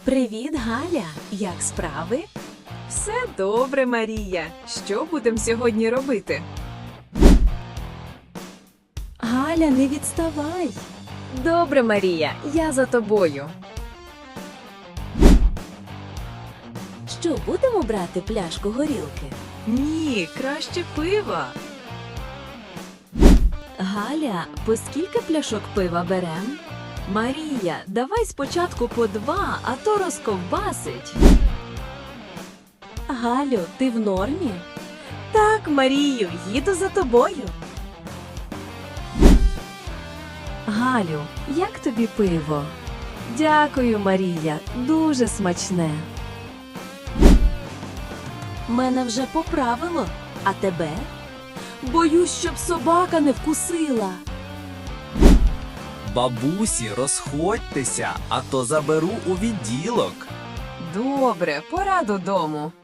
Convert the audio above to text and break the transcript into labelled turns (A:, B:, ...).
A: Привіт, Галя! Як справи?
B: Все добре, Марія. Що будемо сьогодні робити?
A: Галя, не відставай!
B: Добре, Марія, я за тобою.
A: Що, будемо брати пляшку горілки?
B: Ні, краще пива.
A: Галя, по скільки пляшок пива берем?
B: Марія, давай спочатку по 2, а то розковбасить.
A: Галю, ти в нормі?
B: Так, Марію, їду за тобою.
A: Галю, як тобі пиво? Дякую, Марія, дуже смачне. Мене вже поправило, а тебе? Боюсь, щоб собака не вкусила.
C: Бабусі, розходьтеся, а то заберу у відділок.
B: Добре, пора додому.